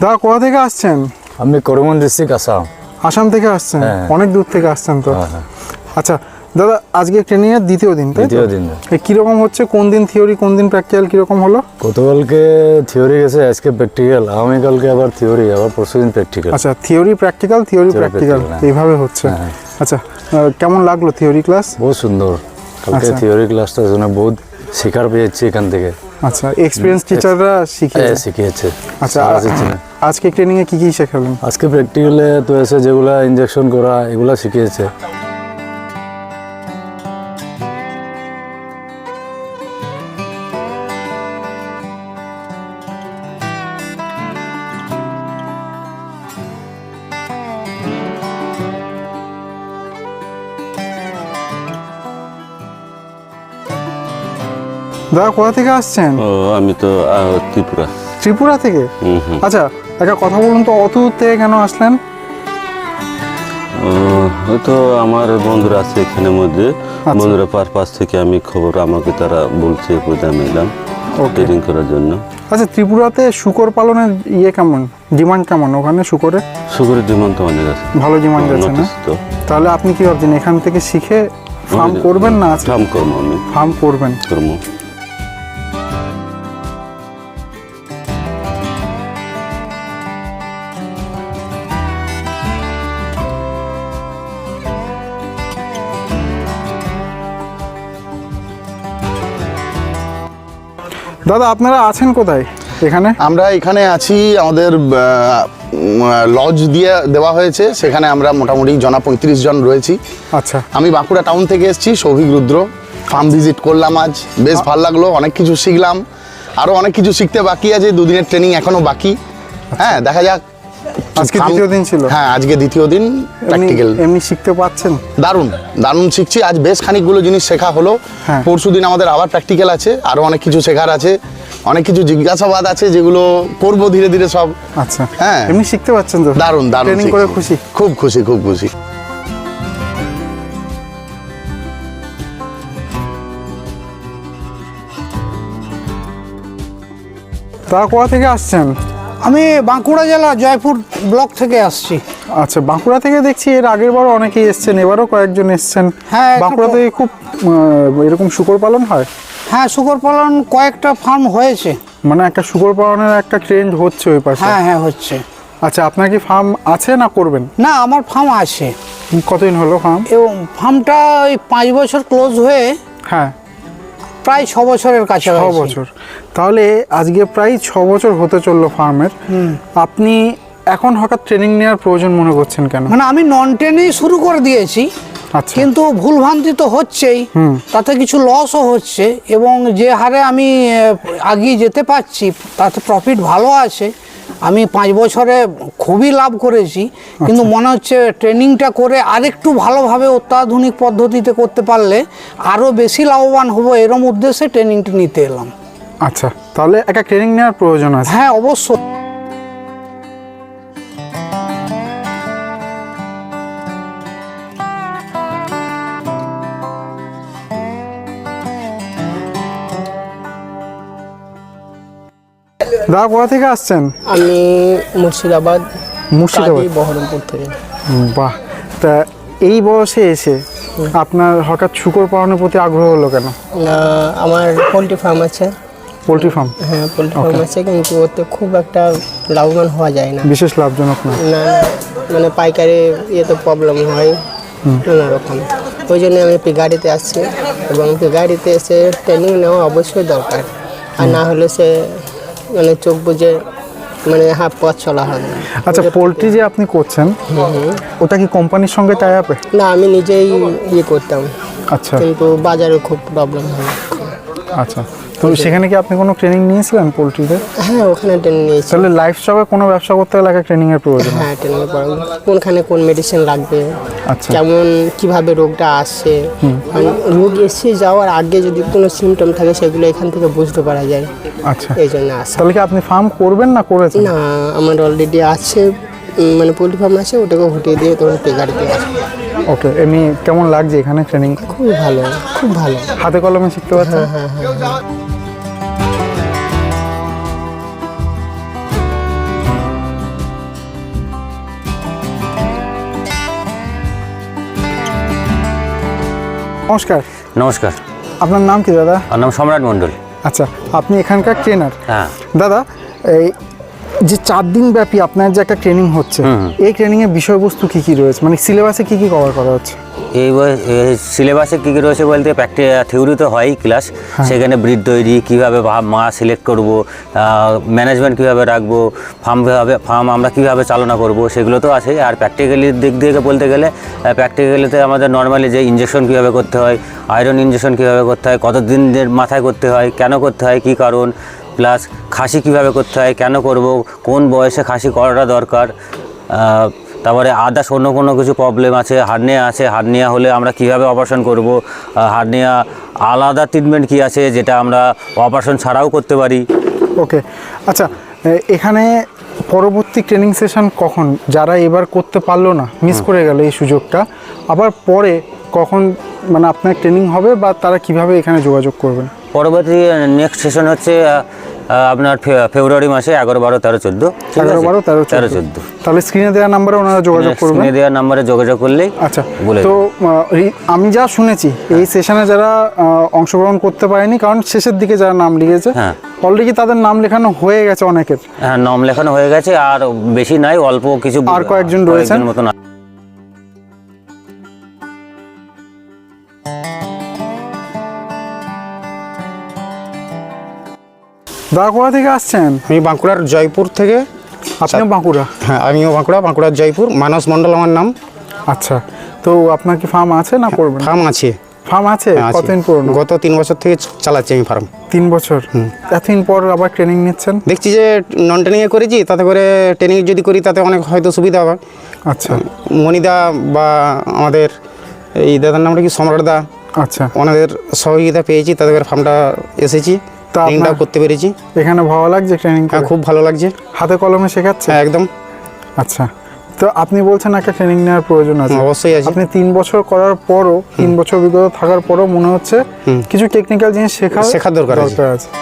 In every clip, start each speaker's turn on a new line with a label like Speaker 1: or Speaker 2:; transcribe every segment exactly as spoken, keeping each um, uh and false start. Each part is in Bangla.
Speaker 1: দাদা কোথা থেকে আসছেন?
Speaker 2: আমি করিমগঞ্জ ডিস্ট্রিক্ট আসাম।
Speaker 1: আসাম থেকে আসছেন?
Speaker 2: হ্যাঁ।
Speaker 1: অনেক দূর থেকে আসছেন তো।
Speaker 2: হ্যাঁ, হ্যাঁ।
Speaker 1: আচ্ছা দাদা, আজকে ট্রেনিং এর দ্বিতীয় দিন, তাই তো?
Speaker 2: দ্বিতীয় দিন।
Speaker 1: এ কিরকম হচ্ছে? কোন দিন থিওরি, কোন দিন প্র্যাকটিক্যাল, কিরকম হলো?
Speaker 2: গতকালকে থিওরি গেছে, আজকে প্র্যাকটিক্যাল, আগামীকালকে আবার থিওরি, আবার পরশুদিন প্র্যাকটিক্যাল।
Speaker 1: আচ্ছা, থিওরি প্র্যাকটিক্যাল, থিওরি প্র্যাকটিক্যাল এইভাবে হচ্ছে।
Speaker 2: হ্যাঁ।
Speaker 1: আচ্ছা, আহ, কেমন লাগলো থিওরি ক্লাস?
Speaker 2: বহুত সুন্দর। কালকে
Speaker 1: আচ্ছা।
Speaker 2: থিওরি ক্লাসটা জন্য বহুত শেখার পেয়েছি এখান থেকে।
Speaker 1: আচ্ছা, এক্সপিরিয়েন্স টিচাররা শিখিয়েছে?
Speaker 2: শিখিয়েছে।
Speaker 1: আচ্ছা, আজকে ট্রেনিং এ কি কি শেখালেন?
Speaker 2: আজকে প্র্যাকটিক্যালে তো এসে যেগুলা ইনজেকশন করা এগুলা শিখিয়েছে।
Speaker 1: দাদা কোথা থেকে আসছেন?
Speaker 3: ও আমি তো আহ, ত্রিপুরা।
Speaker 1: ত্রিপুরা থেকে?
Speaker 3: হুম হুম।
Speaker 1: আচ্ছা, একটা কথা বলুন তো, অত দূর থেকে কেন আসলেন?
Speaker 3: ও, হয়তো আমার বন্ধুরা আছে এখানের মধ্যে, বন্ধুরা পাশ পাশ থেকে আমি খবর আমাকে তারা বলছে, কোথায় আমি এলাম ট্রেনিং করার জন্য।
Speaker 1: আচ্ছা, ত্রিপুরাতে শুকর পালনের ইয়ে কেমন, ডিমান্ড কেমন ওখানে শুকরে?
Speaker 3: শুকরের ডিমান্ড তো অনেক আছে,
Speaker 1: ভালো ডিমান্ড আছে না?
Speaker 3: নোটিস তো।
Speaker 1: তাহলে আপনি কি ভাবছেন, এখান থেকে শিখে ফার্ম করবেন না?
Speaker 3: ফার্ম করবো আমি,
Speaker 1: ফার্ম করবেন।
Speaker 3: করবো।
Speaker 1: দাদা আপনারা আছেন কোথায় এখানে?
Speaker 4: আমরা এখানে আছি, আমাদের লজ দিয়ে দেওয়া হয়েছে, সেখানে আমরা মোটামুটি জনা পঁয়ত্রিশ জন রয়েছি।
Speaker 1: আচ্ছা,
Speaker 4: আমি বাঁকুড়া টাউন থেকে এসেছি, সৌভিক রুদ্র। ফার্ম ভিজিট করলাম আজ, বেশ ভালো লাগলো, অনেক কিছু শিখলাম, আরও অনেক কিছু শিখতে বাকি আছে, দুদিনের ট্রেনিং এখনো বাকি। হ্যাঁ, দেখা যাক।
Speaker 1: আজকে দ্বিতীয় দিন ছিল?
Speaker 4: হ্যাঁ, আজকে দ্বিতীয় দিন প্র্যাকটিক্যাল।
Speaker 1: এমনি শিখতে পাচ্ছেন?
Speaker 4: দারুণ দারুণ শিখছি, আজ বেশ খানিকগুলো জিনিস শেখা হলো।
Speaker 1: হ্যাঁ।
Speaker 4: পরশু দিন আমাদের আবার প্র্যাকটিক্যাল আছে, আরও অনেক কিছু শেখার আছে, অনেক কিছু জিজ্ঞাসাবাদ আছে যেগুলো করবো ধীরে ধীরে সব।
Speaker 1: আচ্ছা,
Speaker 4: হ্যাঁ,
Speaker 1: এমনি শিখতে পাচ্ছেন তো?
Speaker 4: দারুণ দারুণ
Speaker 1: ট্রেনিং করে খুশি?
Speaker 4: খুব খুশি, খুব খুশি।
Speaker 1: তা কোথা থেকে আসছেন?
Speaker 5: আমি বাঁকুড়া জেলা জয়পুর ব্লক থেকে আসছি।
Speaker 1: আচ্ছা, বাঁকুড়া থেকে দেখছি এর আগের বারও অনেকেই এসছেন, এবারও কয়েকজন এসছেন।
Speaker 5: হ্যাঁ,
Speaker 1: বাঁকুড়া থেকে খুব আহ, এরকম শুকর পালন হয়?
Speaker 5: হ্যাঁ, শুকর পালন কয়েকটা ফার্ম হয়েছে।
Speaker 1: মানে একটা শুকর পালনের একটা ট্রেন্ড হচ্ছে ওই পাশে?
Speaker 5: হ্যাঁ হ্যাঁ হচ্ছে।
Speaker 1: আচ্ছা, আপনার কি ফার্ম আছে না করবেন?
Speaker 5: না, আমার ফার্ম আছে।
Speaker 1: কতদিন হলো ফার্ম?
Speaker 5: এবং ফার্মটা ওই পাঁচ বছর ক্লোজ হয়ে
Speaker 1: হ্যাঁ,
Speaker 5: প্রায় ছ বছরের কাছে।
Speaker 1: ছ বছর। তাহলে আজকে প্রায় ছ বছর হতে চললো ফার্মের। আপনি এখন হঠাৎ ট্রেনিং নেওয়ার প্রয়োজন মনে করছেন কেন?
Speaker 5: মানে আমি নন ট্রেনেই শুরু করে দিয়েছি,
Speaker 1: আচ্ছা,
Speaker 5: কিন্তু ভুলভ্রান্তি তো হচ্ছেই, তাতে কিছু লসও হচ্ছে, এবং যে হারে আমি আগিয়ে যেতে পারছি তাতে প্রফিট ভালো আছে। আমি পাঁচ বছরে খুবই লাভ করেছি, কিন্তু মনে হচ্ছে ট্রেনিংটা করে আরেকটু ভালোভাবে অত্যাধুনিক পদ্ধতিতে করতে পারলে আরও বেশি লাভবান হব, এরম উদ্দেশ্যে ট্রেনিংটা নিতে এলাম।
Speaker 1: আচ্ছা, তাহলে একটা ট্রেনিং নেওয়ার প্রয়োজন আছে।
Speaker 5: হ্যাঁ, অবশ্যই।
Speaker 1: দাদা কোথা থেকে আসছেন?
Speaker 6: আমি মুর্শিদাবাদ,
Speaker 1: মুর্শিদাবাদ,
Speaker 6: বহরমপুর থেকে।
Speaker 1: বাহ, তা এই বয়সে এসে আপনার হঠাৎ শুকর পালনের প্রতি আগ্রহ হলো কেন?
Speaker 6: আমার পোলট্রি ফার্ম আছে।
Speaker 1: Poultry farm?
Speaker 6: হ্যাঁ, পোলট্রি ফার্ম আছে, কিন্তু ওতে খুব একটা লাভবান হওয়া যায় না।
Speaker 1: বিশেষ লাভজনক না?
Speaker 6: না না, মানে পাইকারি ইয়েতে প্রবলেম হয় নানা রকম। ওই জন্য আমি গাড়িতে আসছি, এবং গাড়িতে এসে ট্রেনিং নেওয়া অবশ্যই দরকার, আর না হলে সে মানে চোখ বুঝে মানে হাফ পথ চলা হবে।
Speaker 1: আচ্ছা, পোলট্রি যে আপনি করছেন ওটা কি কোম্পানির সঙ্গে টাই আপে?
Speaker 6: না, আমি নিজেই ইয়ে করতাম।
Speaker 1: আচ্ছা,
Speaker 6: কিন্তু বাজারে খুব প্রবলেম হয়।
Speaker 1: আচ্ছা, তো সেখানে কি আপনি কোনো ট্রেনিং নিয়েছিলেন পোলট্রিতে?
Speaker 6: হ্যাঁ, ওখানে ট্রেনিং নিয়েছি।
Speaker 1: তাহলে লাইফ স্টকে কোনো ব্যবসা করতে গেলে একটা ট্রেনিং এর প্রয়োজন?
Speaker 6: হ্যাঁ, ট্রেনিং এর পর কোনখানে কোন মেডিসিন লাগবে,
Speaker 1: আচ্ছা,
Speaker 6: কেমন কিভাবে রোগটা আসছে, মানে রোগ এসে যাওয়ার আগে যদি কোনো সিমটম থাকে সেগুলো এখান থেকে বুঝতে পারা যায়।
Speaker 1: আচ্ছা,
Speaker 6: এই জন্য আসা।
Speaker 1: তাহলে কি আপনি ফার্ম করবেন না করেছেন?
Speaker 6: না, আমার অলরেডি আছে, মানে পোলট্রি ফার্ম আছে, ওটাকে হটিয়ে দিয়ে তোর গাড়িতে আসবে।
Speaker 1: ওকে, এমনি কেমন লাগছে এখানে ট্রেনিং?
Speaker 6: খুব ভালো, খুব ভালো,
Speaker 1: হাতে কলমে শিখতে পারছেন?
Speaker 6: হ্যাঁ হ্যাঁ হ্যাঁ।
Speaker 1: নমস্কার,
Speaker 7: নমস্কার,
Speaker 1: আপনার নাম কি দাদা?
Speaker 7: আমার নাম সম্রাট মণ্ডল।
Speaker 1: আচ্ছা, আপনি এখানকার ট্রেনার।
Speaker 7: হ্যাঁ।
Speaker 1: দাদা, এই যে চার দিন ব্যাপী আপনার যে একটা ট্রেনিং হচ্ছে, এই ট্রেনিংয়ের বিষয়বস্তু কি কি রয়েছে, মানে সিলেবাসে কি কি কভার করা হচ্ছে?
Speaker 7: এই সিলেবাসে কী কী রয়েছে বলতে প্র্যাকটি থিওরি তো হয়ই ক্লাস, সেখানে ব্রিড তৈরি কীভাবে মা সিলেক্ট করব, ম্যানেজমেন্ট কীভাবে রাখবো, ফার্ম কীভাবে ফার্ম আমরা কীভাবে চালনা করব, সেগুলো তো আছে। আর প্র্যাকটিক্যালি দিক থেকে বলতে গেলে প্র্যাকটিক্যালিতে আমাদের নর্মালি যে ইঞ্জেকশন কীভাবে করতে হয়, আয়রন ইঞ্জেকশন কীভাবে করতে হয়, কত দিনের মাথায় করতে হয়, কেন করতে হয়, কী কারণ, প্লাস খাসি কীভাবে করতে হয়, কেন করব, কোন বয়সে খাসি করাটা দরকার, তারপরে আদার্স অন্য কোনো কিছু প্রবলেম আছে, হার্নিয়া আছে, হার্নিয়া হলে আমরা কীভাবে অপারেশন করব, হার্নিয়া আলাদা ট্রিটমেন্ট কী আছে যেটা আমরা অপারেশন ছাড়াও করতে পারি।
Speaker 1: ওকে, আচ্ছা, এখানে পরবর্তী ট্রেনিং সেশন কখন, যারা এবার করতে পারলো না, মিস করে গেল এই সুযোগটা, আবার পরে কখন মানে আপনার ট্রেনিং হবে বা তারা কিভাবে এখানে যোগাযোগ করবেন?
Speaker 7: পরবর্তী নেক্সট সেশন হচ্ছে আপনার ফেব্রুয়ারি মাসে এগারো বারো তেরো চোদ্দো
Speaker 1: এগারো বারো তেরো
Speaker 7: তেরো চোদ্দো
Speaker 1: তাহলে স্ক্রিনে দেওয়া নাম্বারে ওনারা যোগাযোগ করবেন।
Speaker 7: স্ক্রিনে দেওয়া নাম্বারে যোগাযোগ করলেই
Speaker 1: আচ্ছা
Speaker 7: বলে
Speaker 1: তো আহ, এই- আমি যা শুনেছি এই সেশনে যারা আহ, অংশগ্রহণ করতে পারেনি, কারণ শেষের দিকে যারা নাম লিখেছে
Speaker 7: হ্যাঁ।
Speaker 1: অলরেডি তাদের নাম লেখানো হয়ে গেছে অনেকের।
Speaker 7: হ্যাঁ, নাম লেখানো হয়ে গেছে, আর বেশি নাই, অল্প কিছু
Speaker 1: আর কয়েকজন রয়েছেন।
Speaker 7: মতন।
Speaker 1: দাদা কোথা থেকে আসছেন?
Speaker 8: আমি বাঁকুড়ার জয়পুর থেকে।
Speaker 1: আপনিও বাঁকুড়া?
Speaker 8: হ্যাঁ, আমিও বাঁকুড়া, বাঁকুড়ার জয়পুর। মানস মণ্ডল আমার নাম।
Speaker 1: আচ্ছা, তো আপনার কি ফার্ম আছে না করবেন?
Speaker 8: ফার্ম আছে।
Speaker 1: ফার্ম আছে?
Speaker 8: হ্যাঁ, আছে।
Speaker 1: কতদিন পুরনো?
Speaker 8: গত তিন বছর থেকে চালাচ্ছি আমি ফার্ম।
Speaker 1: তিন বছর? এতদিন পর আবার ট্রেনিং নিচ্ছেন?
Speaker 8: দেখছি যে নন ট্রেনিংয়ে করেছি, তাতে করে ট্রেনিং যদি করি তাতে অনেক হয়তো সুবিধা হবে।
Speaker 1: আচ্ছা
Speaker 8: মনিদা বা আমাদের এই দাদার নামটা কি সম্রাটদা,
Speaker 1: আচ্ছা,
Speaker 8: ওনাদের সহযোগিতা পেয়েছি, তাতে করে ফার্মটা এসেছি,
Speaker 1: তা
Speaker 8: ট্রেনিংটাও
Speaker 1: আপনার-
Speaker 8: করতে পেরেছি।
Speaker 1: এখানে ভালো লাগছে ট্রেনিং?
Speaker 8: হ্যাঁ, খুব ভালো লাগছে।
Speaker 1: হাতে কলমে শেখাচ্ছে?
Speaker 8: হ্যাঁ, একদম।
Speaker 1: আচ্ছা, তো আপনি বলছেন একটা ট্রেনিং নেওয়ার প্রয়োজন আছে।
Speaker 8: অবশ্যই আছে।
Speaker 1: আপনি তিন বছর করার পরও, তিন বছর অভিজ্ঞতা থাকার পরও মনে হচ্ছে কিছু টেকনিক্যাল জিনিস শেখা
Speaker 8: শেখার দরকার আছে।
Speaker 1: দরকার আছে।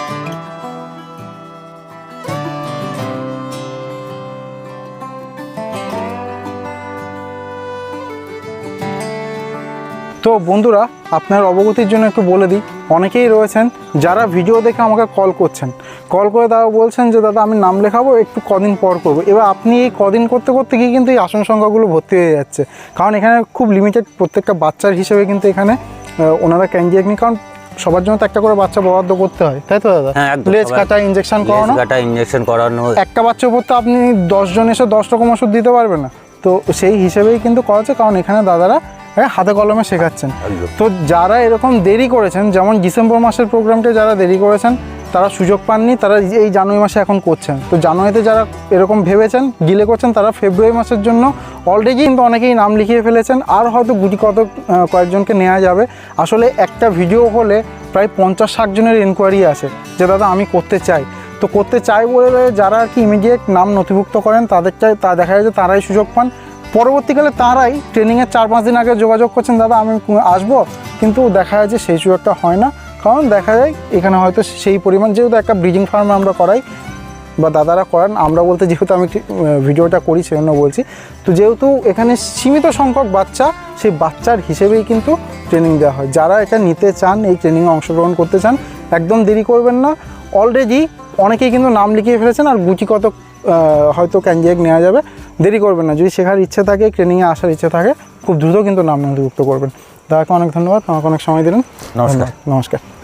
Speaker 1: তো বন্ধুরা, আপনার অবগতির জন্য একটু বলে দিই, অনেকেই রয়েছেন যারা ভিডিও দেখে আমাকে কল করছেন, কল করে তারা বলছেন যে দাদা আমি নাম লেখাবো, একটু কদিন পর করবো। এবার আপনি এই কদিন করতে করতে গিয়ে কিন্তু এই আসন সংখ্যাগুলো ভর্তি হয়ে যাচ্ছে, কারণ এখানে খুব লিমিটেড প্রত্যেকটা বাচ্চার হিসেবে কিন্তু এখানে আহ, ওনারা ক্যান্ডিডেট নিয়ে, কারণ সবার জন্য তো একটা করে বাচ্চা বরাদ্দ করতে হয়, তাই তো দাদা?
Speaker 7: হ্যাঁ, একদম।
Speaker 1: লেজ কাটা, ইঞ্জেকশন করানো,
Speaker 7: কাটা ইঞ্জেকশন করানো,
Speaker 1: একটা বাচ্চার উপর তো আপনি দশ জন এসে দশ রকম ওষুধ দিতে পারবেন না, তো সেই হিসেবেই কিন্তু করাচ্ছে, কারণ এখানে দাদারা হ্যাঁ হাতে কলমে শেখাচ্ছেন। তো যারা এরকম দেরি করেছেন, যেমন ডিসেম্বর মাসের প্রোগ্রামটা যারা দেরি করেছেন তারা সুযোগ পাননি, তারা এই জানুয়ারি মাসে এখন করছেন। তো জানুয়ারিতে যারা এরকম ভেবেছেন ডিলে করছেন, তারা ফেব্রুয়ারি মাসের জন্য অলরেডি কিন্তু অনেকেই নাম লিখিয়ে ফেলেছেন, আর হয়তো গুটি কত কয়েকজনকে নেওয়া যাবে। আসলে একটা ভিডিও হলে প্রায় পঞ্চাশ ষাট জনের এনকোয়ারি আসে যে দাদা আমি করতে চাই। তো করতে চাই বলে যারা আর কি ইমিডিয়েট নাম নথিভুক্ত করেন তাদেরটাই, তা দেখা যায় যে তারাই সুযোগ পান। পরবর্তীকালে তারাই ট্রেনিংয়ের চার পাঁচ দিন আগে যোগাযোগ করছেন, দাদা আমি আসবো, কিন্তু দেখা যায় যে সেই সুযোগটা হয় না, কারণ দেখা যায় এখানে হয়তো সেই পরিমাণ, যেহেতু একটা ব্রিডিং ফার্মে আমরা করাই বা দাদারা করান, আমরা বলতে যেহেতু আমি ভিডিওটা করি সেজন্য বলছি, তো যেহেতু এখানে সীমিত সংখ্যক বাচ্চা, সেই বাচ্চার হিসেবেই কিন্তু ট্রেনিং দেওয়া হয়। যারা এটা নিতে চান, এই ট্রেনিংয়ে অংশগ্রহণ করতে চান, একদম দেরি করবেন না। অলরেডি অনেকেই কিন্তু নাম লিখিয়ে ফেলেছেন, আর গুটি কত হয়তো ক্যান্ডিডেট নেওয়া যাবে, দেরি করবেন না। যদি শেখার ইচ্ছে থাকে, ট্রেনিংয়ে আসার ইচ্ছে থাকে, খুব দ্রুত কিন্তু নাম নথিভুক্ত করবেন। দাদাকে অনেক ধন্যবাদ, আমাকে অনেক সময় দিলেন।
Speaker 7: নমস্কার।
Speaker 1: নমস্কার।